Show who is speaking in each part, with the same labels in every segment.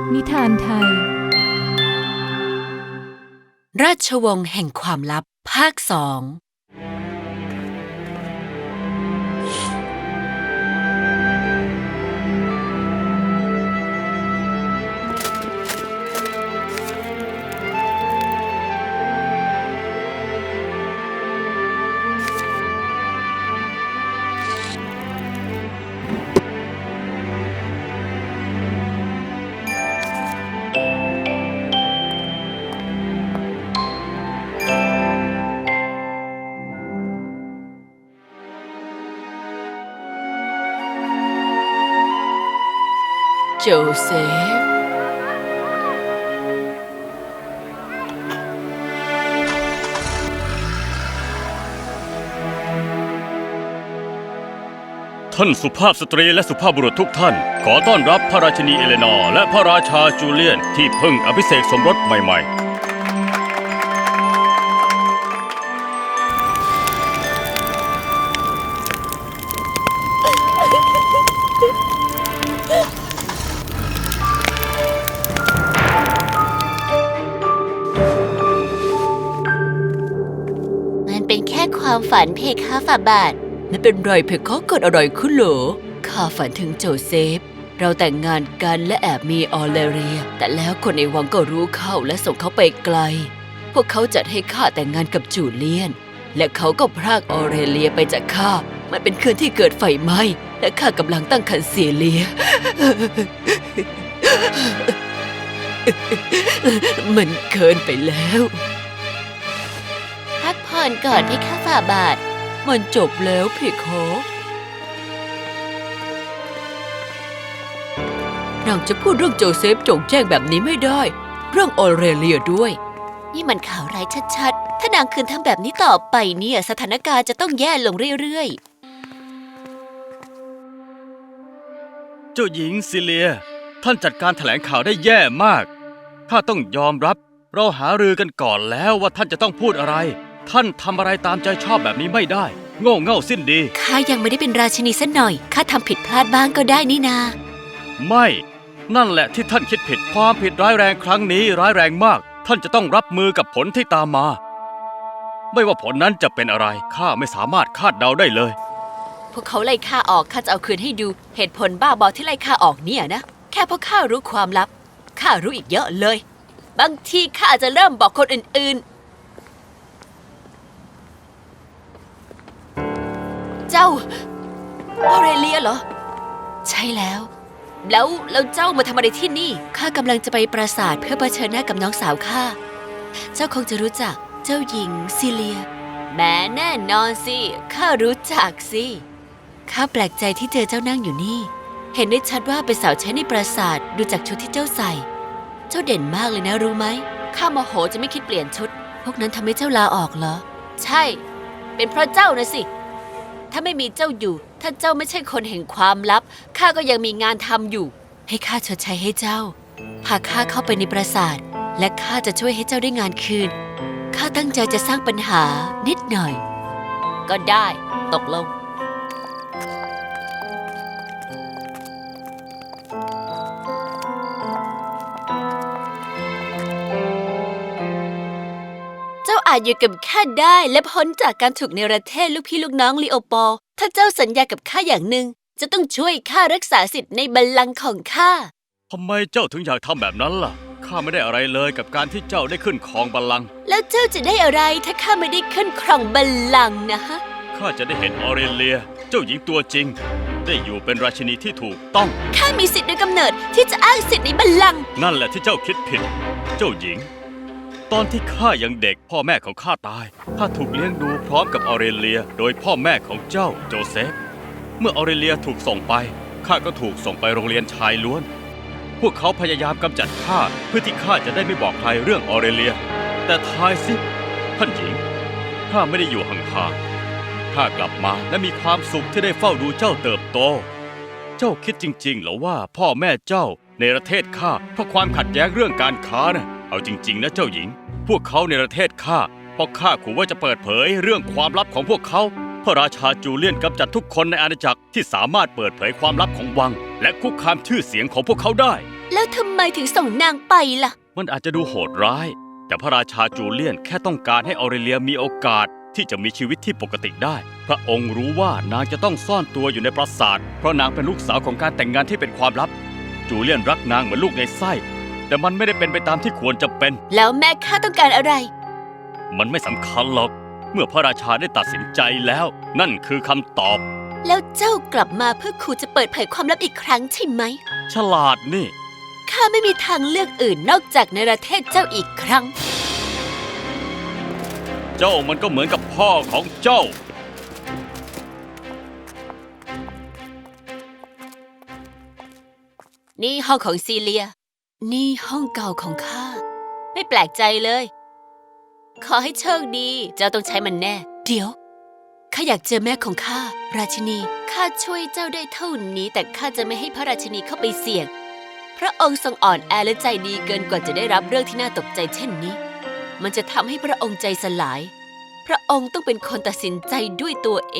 Speaker 1: นิทานไทย
Speaker 2: ราชวงศ์แห่งความลับภาค2โจเซฟ
Speaker 3: ท่านสุภาพสตรีและสุภาพบุรุษทุกท่านขอต้อนรับพระราชินีเอเลนอร์และพระราชาจูเลียนที่เพิ่งอภิเษกสมรสใหม่
Speaker 2: มันเป็นแค่ความฝันเพคะฝ่าบาทไม่เป็นไรเพคะเกิดอะไรขึ้นเหรอข้าฝันถึงโจเซฟเราแต่งงานกันและแอบมีออเลเรียแต่แล้วคนในวังก็รู้เข้าและส่งเขาไปไกลพวกเขาจัดให้ข้าแต่งงานกับจูเลียนและเขาก็พรากออเรเลียไปจากข้ามันเป็นคืนที่เกิดไฟไหม้และข้ากำลังตั้งครรภ์เสียเลีย มันเกินไปแล้วพักผ่อนก่อนเพคะฝ่าบาทมันจบแล้วเพคะนางจะพูดเรื่องโจเซฟจงแจ้งแบบนี้ไม่ได้เรื่องออเรเลียด้วยนี่มันข่าวร้ายชัดๆถ้านางคืนทำแบบนี้ต่อไปเนี่ยสถานการณ์จะต้องแย่ลงเรื่อย
Speaker 3: ๆเจ้าหญิงซิเลียท่านจัดการแถลงข่าวได้แย่มากข้าต้องยอมรับเราหารือกันก่อนแล้วว่าท่านจะต้องพูดอะไรท่านทำอะไรตามใจชอบแบบนี้ไม่ได้โง่เง่าสิ้นดี
Speaker 2: ข้ายังไม่ได้เป็นราชินีสักหน่อยข้าทำผิดพลาดบ้างก็ได้นี่นา
Speaker 3: ไม่นั่นแหละที่ท่านคิดผิดความผิดร้ายแรงครั้งนี้ร้ายแรงมากท่านจะต้องรับมือกับผลที่ตามมาไม่ว่าผลนั้นจะเป็นอะไรข้าไม่สามารถคาดเดาได้เลย
Speaker 2: พวกเขาไล่ข้าออกข้าจะเอาคืนให้ดูเหตุผลบ้าบอที่ไล่ข้าออกเนี่ยนะแค่เพราะข้ารู้ความลับข้ารู้อีกเยอะเลยบางทีข้าอาจจะเริ่มบอกคนอื่นๆเจ้าออเรเลียเหรอใช่แล้วเจ้ามาทำอะไรที่นี่ข้ากำลังจะไปปราสาทเพื่อเผชิญหน้ากับน้องสาวข้าเจ้าคงจะรู้จักเจ้าหญิงซิเลียแม้แน่นอนสิข้ารู้จักสิข้าแปลกใจที่เจอเจ้านั่งอยู่นี่เห็นได้ชัดว่าเป็นสาวใช้ในปราสาทดูจากชุดที่เจ้าใส่เจ้าเด่นมากเลยนะรู้ไหมข้าโมโหจะไม่คิดเปลี่ยนชุดพวกนั้นทำให้เจ้าลาออกเหรอใช่เป็นเพราะเจ้านะสิถ้าไม่มีเจ้าอยู่ถ้าเจ้าไม่ใช่คนแห่งความลับข้าก็ยังมีงานทำอยู่ให้ข้าชดใช้ให้เจ้าพาข้าเข้าไปในปราสาทและข้าจะช่วยให้เจ้าได้งานคืนข้าตั้งใจจะสร้างปัญหานิดหน่อยก็ได้ตกลงเจ้าอาจอยู่กับข้าได้และพ้นจากการถูกเนรเทศลูกพี่ลูกน้องลีโอปอลถ้าเจ้าสัญญากับข้าอย่างหนึ่งจะต้องช่วยข้ารักษาสิทธิ์ในบัลลังก์ของข้า
Speaker 3: ทำไมเจ้าถึงอยากทำแบบนั้นล่ะข้าไม่ได้อะไรเลยกับการที่เจ้าได้ขึ้นครองบัลลังก์
Speaker 2: แล้วเจ้าจะได้อะไรถ้าข้าไม่ได้ขึ้นครองบัลลังก์นะฮะ
Speaker 3: ข้าจะได้เห็นออเรเลียเจ้าหญิงตัวจริงได้อยู่เป็นราชินีที่ถูกต้อง
Speaker 2: ข้ามีสิทธิ์โดยกำเนิดที่จะอ้างสิทธิ์ในบัลลังก์
Speaker 3: นั่นแหละที่เจ้าคิดผิดเจ้าหญิงตอนที่ข้ายังเด็กพ่อแม่ของข้าตายข้าถูกเลี้ยงดูพร้อมกับออเรเลียโดยพ่อแม่ของเจ้าโจเซฟเมื่อออเรเลียถูกส่งไปข้าก็ถูกส่งไปโรงเรียนชายล้วนพวกเขาพยายามกำจัดข้าเพื่อที่ข้าจะได้ไม่บอกใครเรื่องออเรเลียแต่ทายสิท่านหญิงข้าไม่ได้อยู่ห่างๆข้ากลับมาและมีความสุขที่ได้เฝ้าดูเจ้าเติบโตเจ้าคิดจริงๆเหรอว่าพ่อแม่เจ้าในประเทศข้าเพราะความขัดแย้งเรื่องการค้านะเอาจริงๆนะเจ้าหญิงพวกเขาในประเทศข้าเพราะข้าขู่ว่าจะเปิดเผยเรื่องความลับของพวกเขาพระราชาจูเลียนกำจัดทุกคนในอาณาจักรที่สามารถเปิดเผยความลับของวัง และคุกคามชื่อเสียงของพวกเขาได้
Speaker 2: แล้วทำไมถึงส่งนางไปล่ะ
Speaker 3: มันอาจจะดูโหดร้าย แต่พระราชาจูเลียนแค่ต้องการให้ออเรเลียมีโอกาสที่จะมีชีวิตที่ปกติได้ พระองค์รู้ว่านางจะต้องซ่อนตัวอยู่ในปราสาทเพราะนางเป็นลูกสาวของการแต่งงานที่เป็นความลับ จูเลียนรักนางเหมือนลูกในไส้ แต่มันไม่ได้เป็นไปตามที่ควรจะเป็น
Speaker 2: แล้วแม่ข้าต้องการอะไร
Speaker 3: มันไม่สำคัญหรอก เมื่อพระราชาได้ตัดสินใจแล้ว นั่นคือคำตอบ
Speaker 2: แล้วเจ้ากลับมาเพื่อขู่จะเปิดเผยความลับอีกครั้งใช่ไหม
Speaker 3: ฉลาดนี่
Speaker 2: ข้าไม่มีทางเลือกอื่นนอกจากในประเทศเจ้าอีกครั้ง
Speaker 3: เจ้ามันก็เหมือนกับพ่อของเจ้า
Speaker 2: นี่ห้องของซีเลีย นี่ห้องเก่าของข้า ไม่แปลกใจเลย ขอให้โชคดี เจ้าต้องใช้มันแน่ เดี๋ยว ข้าอยากเจอแม่ของข้า ราชินี ข้าช่วยเจ้าได้เท่านี้ แต่ข้าจะไม่ให้พระราชินีเข้าไปเสี่ยง พระองค์ทรงอ่อนแอและใจดีเกินกว่าจะได้รับเรื่องที่น่าตกใจเช่นนี้ มันจะทำให้พระองค์ใจสลาย พระองค์ต้องเป็นคนตัดสินใจด้วยตัวเอง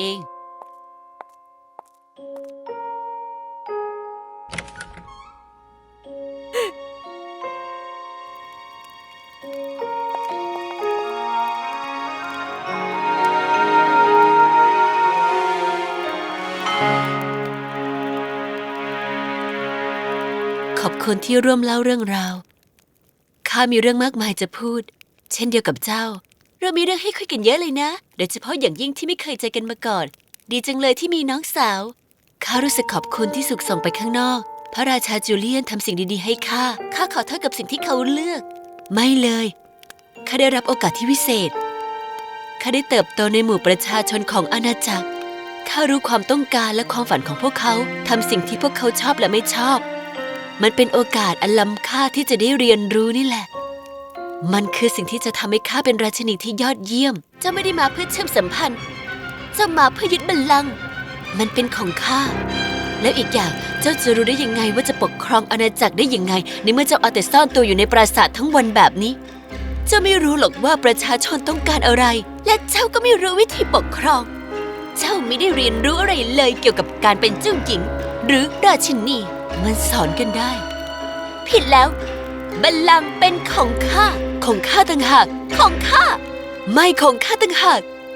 Speaker 2: ขอบคุณที่ร่วมเล่าเรื่องราว ข้ามีเรื่องมากมายจะพูด เช่นเดียวกับเจ้า เรามีเรื่องให้คุยกันเยอะเลยนะ โดยเฉพาะอย่างยิ่งที่ไม่เคยเจอกันมาก่อน ดีจังเลยที่มีน้องสาว ข้ารู้สึกขอบคุณที่สุขส่งไปข้างนอก พระราชาจูเลียนทำสิ่งดีๆให้ข้า ข้าขอโทษกับสิ่งที่เขาเลือก ไม่เลย ข้าได้รับโอกาสที่วิเศษ ข้าได้เติบโตในหมู่ประชาชนของอาณาจักร ข้ารู้ความต้องการและความฝันของพวกเขา ทำสิ่งที่พวกเขาชอบและไม่ชอบ มันเป็นโอกาสอันล้ำค่าที่จะได้เรียนรู้นี่แหละ มันคือสิ่งที่จะทำให้ข้าเป็นราชินีที่ยอดเยี่ยม เจ้าไม่ได้มาเพื่อเชื่อมสัมพันธ์ เจ้ามาเพื่อยึดบัลลังก์ มันเป็นของข้า แล้วอีกอย่างเจ้าจะรู้ได้ยังไงว่าจะปกครองอาณาจักรได้ยังไงในเมื่อเจ้าเอาแต่ซ่อนตัวอยู่ในปราสาททั้งวันแบบนี้ เจ้าไม่รู้หรอกว่าประชาชนต้องการอะไร และเจ้าก็ไม่รู้วิธีปกครอง เจ้าไม่ได้เรียนรู้อะไรเลยเกี่ยวกับการเป็นเจ้าหญิง หรือราชินี มันสอนกันได้ ผิดแล้ว บัลลังก์เป็นของข้า ของข้าต่างหาก ของข้า ไม่ของข้าต่างหาก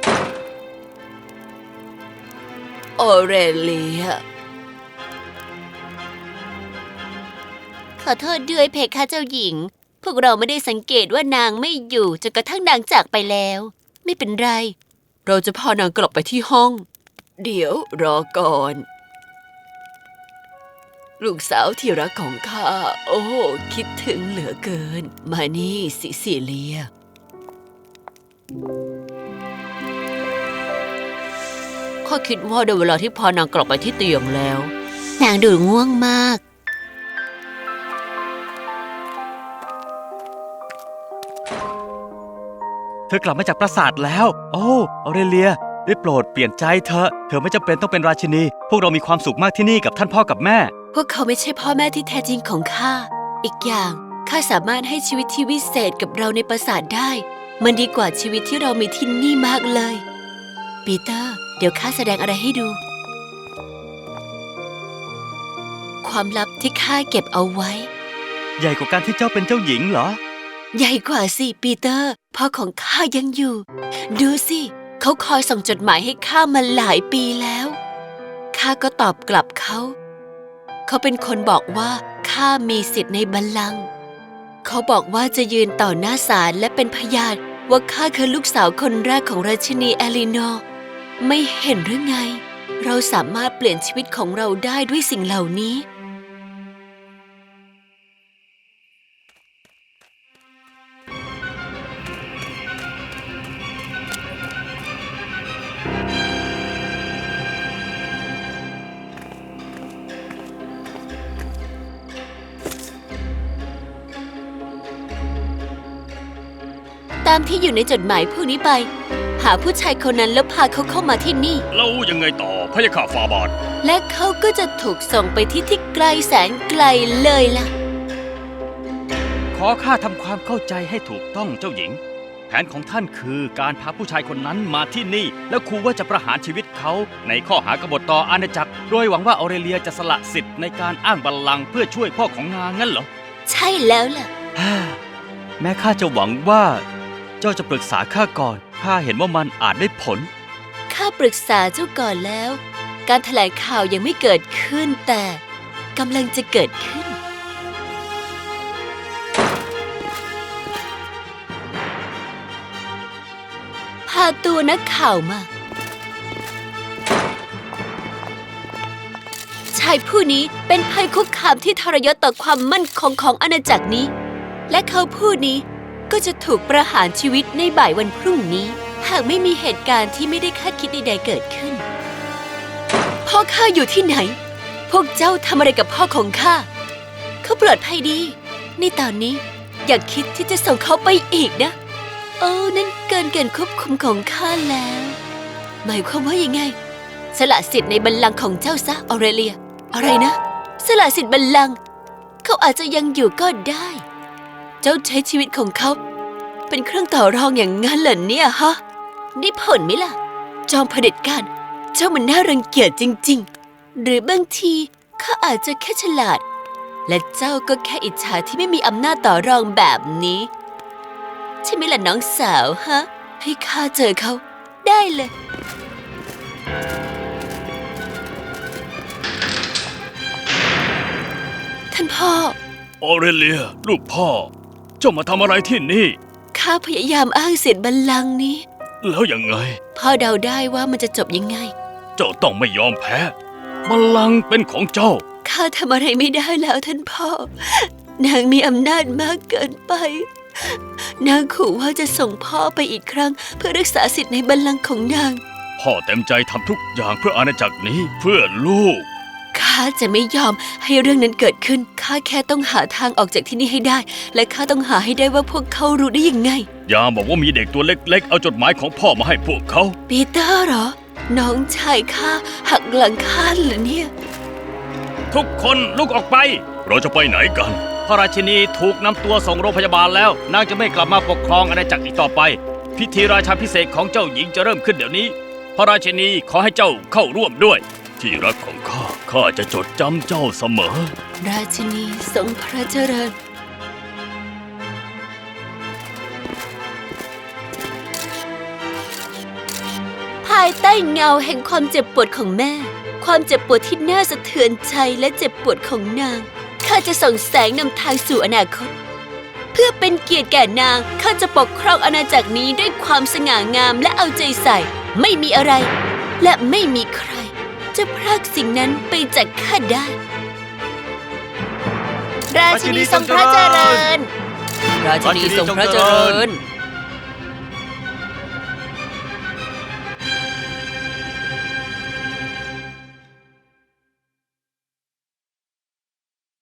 Speaker 2: ออเรเลีย ขอโทษด้วยเพคะเจ้าหญิง พวกเราไม่ได้สังเกตว่านางไม่อยู่จนกระทั่งนางจากไปแล้ว ไม่เป็นไร เราจะพานางกลับไปที่ห้อง เดี๋ยวรอก่อน ลูกสาวที่รักของข้า โอ้ คิดถึงเหลือเกิน มานี่ซิซิเลีย ข้าคิดว่าได้เวลาที่พานางกลับไปที่เตียงแล้ว นางดูง่วงมาก
Speaker 3: เธอกลับมาจากปราสาทแล้ว โอ้ออเรเลีย ได้โปรดเปลี่ยนใจเธอ เธอไม่จำเป็นต้องเป็นราชินี พวกเรามีความสุขมากที่นี่กับท่านพ่อกับแม่
Speaker 2: พวกเขาไม่ใช่พ่อแม่ที่แท้จริงของข้า อีกอย่างข้าสามารถให้ชีวิตที่วิเศษกับเราในปราสาทได้ มันดีกว่าชีวิตที่เรามีที่นี่มากเลย ปีเตอร์ เดี๋ยวข้าแสดงอะไรให้ดู ความลับที่ข้าเก็บเอาไว้
Speaker 3: ใหญ่กว่าการที่เจ้าเป็นเจ้าหญิงเหรอ
Speaker 2: ใหญ่กว่าสิปีเตอร์ พ่อของข้ายังอยู่ ดูสิ เขาคอยส่งจดหมายให้ข้ามาหลายปีแล้ว ข้าก็ตอบกลับเขา เขาเป็นคนบอกว่าข้ามีสิทธิ์ในบัลลังก์ เขาบอกว่าจะยืนต่อหน้าศาลและเป็นพยานว่าข้าคือลูกสาวคนแรกของราชินีเอลินอร์ ไม่เห็นหรือไง เราสามารถเปลี่ยนชีวิตของเราได้ด้วยสิ่งเหล่านี้ ตามที่อยู่ในจดหมายพวกนี้ไป หาผู้ชายคนนั้นแล้วพาเขาเข้ามาที่นี่
Speaker 3: แล้วยังไงต่อพระยาข้าฟาบาท
Speaker 2: และเขาก็จะถูกส่งไปที่ไกลแสนไกลเลยล่ะ
Speaker 3: ขอข้าทำความเข้าใจให้ถูกต้องเจ้าหญิงแผนของท่านคือการพาผู้ชายคนนั้นมาที่นี่ แล้วขู่ว่าจะประหารชีวิตเขาในข้อหากบฏต่ออาณาจักร โดยหวังว่าออเรเลียจะสละสิทธิ์ในการอ้างบัลลังก์เพื่อช่วยพ่อของนางงั้นเหรอ
Speaker 2: ใช่แล้วล่ะ
Speaker 3: แม้ข้าจะหวังว่าเจ้าจะปรึกษาข้าก่อนข้าเห็นว่ามันอาจได้ผล
Speaker 2: ข้าปรึกษาเจ้าก่อนแล้ว การแถลงข่าวยังไม่เกิดขึ้นแต่กำลังจะเกิดขึ้น พาตัวนักข่าวมา ชายผู้นี้เป็นภัยคุกคามที่ทรยศต่อความมั่นคงของอาณาจักรนี้ และเขาผู้นี้ก็จะถูกประหารชีวิตในบ่ายวันพรุ่งนี้ หากไม่มีเหตุการณ์ที่ไม่ได้คาดคิดใดๆเกิดขึ้น พ่อข้าอยู่ที่ไหน พวกเจ้าทำอะไรกับพ่อของข้า เขาปลอดภัยดี ในตอนนี้อย่าคิดที่จะส่งเขาไปอีกนะ โอ้นั่นเกินการควบคุมของข้าแล้ว หมายความว่ายังไง สละสิทธิ์ในบัลลังก์ของเจ้าซะออเรเลีย อะไรนะ สละสิทธิ์บัลลังก์เขาอาจจะยังอยู่ก็ได้ เจ้าใช้ชีวิตของเขา เป็นเครื่องต่อรองอย่างงั้นเหรอเนี่ยฮะได้ผลไหมล่ะ จอมเผด็จการเจ้ามันน่ารังเกียจจริงๆ หรือบางทีข้าอาจจะแค่ฉลาด และเจ้าก็แค่อิจฉาที่ไม่มีอำนาจต่อรองแบบนี้ ใช่ไหมล่ะน้องสาวฮะ ให้ข้าเจอเขาได้เลย ท่านพ่อ
Speaker 3: ออเรเลีย ลูกพ่อ เจ้ามาทำอะไรที่นี่
Speaker 2: ข้าพยายามอ้างสิทธิ์บัลลังก์นี้
Speaker 3: แล้วยังไง
Speaker 2: พ่อเดาได้ว่ามันจะจบยังไง
Speaker 3: เจ้าต้องไม่ยอมแพ้บัลลังก์เป็นของเจ้า
Speaker 2: ข้าทำอะไรไม่ได้แล้วท่านพ่อ นางมีอำนาจมากเกินไป นางขู่ว่าจะส่งพ่อไปอีกครั้งเพื่อรักษาสิทธิ์ในบัลลังก์ของนาง
Speaker 3: พ่อเต็มใจทำทุกอย่างเพื่ออาณาจักรนี้เพื่อลูก
Speaker 2: ข้าจะไม่ยอมให้เรื่องนั้นเกิดขึ้น ข้าแค่ต้องหาทางออกจากที่นี่ให้ได้ และข้าต้องหาให้ได้ว่าพวกเขารู้ได้ยังไง
Speaker 3: อย่าบอกว่ามีเด็กตัวเล็กๆ เอาจดหมายของพ่อมาให้พวกเขา
Speaker 2: ปีเตอร์เหรอ น้องชายข้าหักหลังข้าเหรอเนี่ย
Speaker 3: ทุกคนลุกออกไป เราจะไปไหนกัน พระราชินีถูกนำตัวส่งโรงพยาบาลแล้ว นางจะไม่กลับมาปกครองอาณาจักรอีกต่อไป พิธีราชาภิเษกของเจ้าหญิงจะเริ่มขึ้นเดี๋ยวนี้ พระราชินีขอให้เจ้าเข้าร่วมด้วย ที่รักของข้าจะจดจำเจ้าเสมอ
Speaker 2: ราชินีทรงพระเจริญ ภายใต้เงาแห่งความเจ็บปวดของแม่ ความเจ็บปวดที่น่าสะเทือนใจและเจ็บปวดของนาง ข้าจะส่องแสงนำทางสู่อนาคต เพื่อเป็นเกียรติแก่นาง ข้าจะปกครองอาณาจักรนี้ด้วยความสง่างามและเอาใจใส่ ไม่มีอะไร และไม่มีใคร จะพรากสิ่งนั้นไปจากข้าได้ ราชินีทรงพระเจริญ ราชินีทรงพระเจริญ